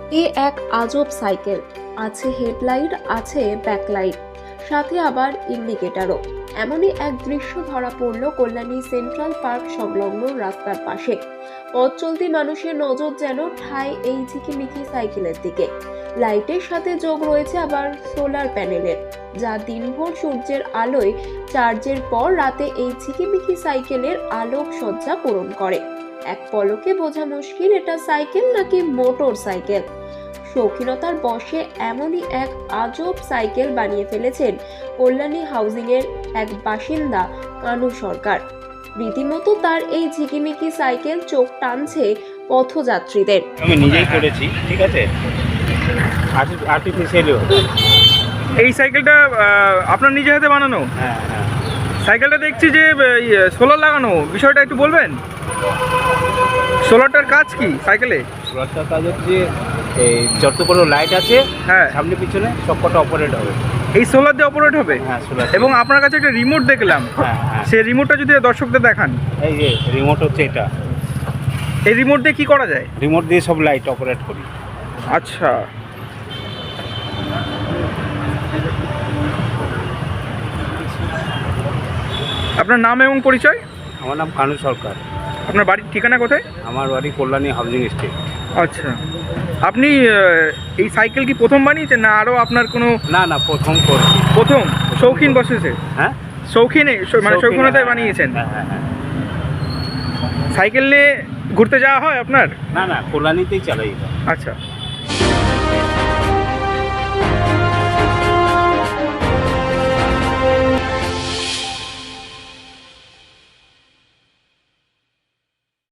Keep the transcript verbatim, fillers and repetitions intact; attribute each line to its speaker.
Speaker 1: এ এক আজব সাইকেল, আছে হেডলাইট, আছে ব্যাকলাইট, সাথে আবার ইন্ডিকেটারও। এমনই এক দৃশ্য ধরা পড়ল কল্যাণী সেন্ট্রাল পার্ক সংলগ্ন রাস্তার পাশে। পথ চলতি মানুষের নজর যেন ঠায় এই ঝিকিমিকি সাইকেলের দিকে। লাইটের সাথে যোগ রয়েছে আবার সোলার প্যানেলের, যা দিনভর সূর্যের আলোয় চার্জের পর রাতে এই ঝিকিমিকি সাইকেলের আলোক সজ্জা পূরণ করে। এক পলকে বোঝা মুশকিল এটা সাইকেল নাকি মোটর সাইকেল। শৌখিনতার বশে এমনই এক আজব সাইকেল বানিয়ে ফেলেছেন কল্যাণী হাউজিং এর এক বাসিন্দা কানু সরকার। রীতিমতো তার এই ঝিকিমিকি সাইকেল চোখ টানছে পথযাত্রীদের।
Speaker 2: আমি নিজেই করেছি, ঠিক আছে, আর্টিফিশিয়ালিও।
Speaker 3: এই সাইকেলটা আহ, আপনার নিজে হাতে বানানো?
Speaker 2: হ্যাঁ হ্যাঁ।
Speaker 3: সাইকেলটা দেখছি যে সোলার লাগানো, বিষয়টা একটু বলবেন? সোলারটার কাজ কি সাইকেলে?
Speaker 2: সোলারটার কাজ হচ্ছে এই যত কোনো লাইট আছে,
Speaker 3: হ্যাঁ,
Speaker 2: সামনে পিছনে সবকটা অপারেট হবে।
Speaker 3: এই সোলার দিয়ে অপারেট হবে?
Speaker 2: হ্যাঁ, সোলার।
Speaker 3: এবং আপনার কাছে একটা রিমোট দেখলাম,
Speaker 2: হ্যাঁ হ্যাঁ।
Speaker 3: সেই রিমোটটা যদি দর্শকদের দেখান।
Speaker 2: এই যে রিমোট হচ্ছে এটা,
Speaker 3: এই রিমোট দিয়ে কি করা যায়?
Speaker 2: রিমোট দিয়ে সব লাইট অপারেট করি।
Speaker 3: আচ্ছা, আপনার নাম এবং পরিচয়?
Speaker 2: আমার নাম কানু সরকার।
Speaker 3: আপনার বাড়ির ঠিকানা কোথায়?
Speaker 2: আমার বাড়ি কল্যাণী হাউজিং স্টেট।
Speaker 3: আচ্ছা, আপনি আহ, এই সাইকেল কি প্রথম বানিয়েছেন না আরও আপনার কোনো?
Speaker 2: না না, প্রথম করছি।
Speaker 3: প্রথম শৌখিন বসেছে?
Speaker 2: হ্যাঁ,
Speaker 3: শৌখিনে মানে শৌখিনতায়
Speaker 2: হ্যাঁ,
Speaker 3: বানিয়েছেন?
Speaker 2: হ্যাঁ হ্যাঁ হ্যাঁ।
Speaker 3: সাইকেল নিয়ে ঘুরতে যাওয়া হয় আপনার?
Speaker 2: না না, কল্যাণীতেই চালাই।
Speaker 3: আচ্ছা।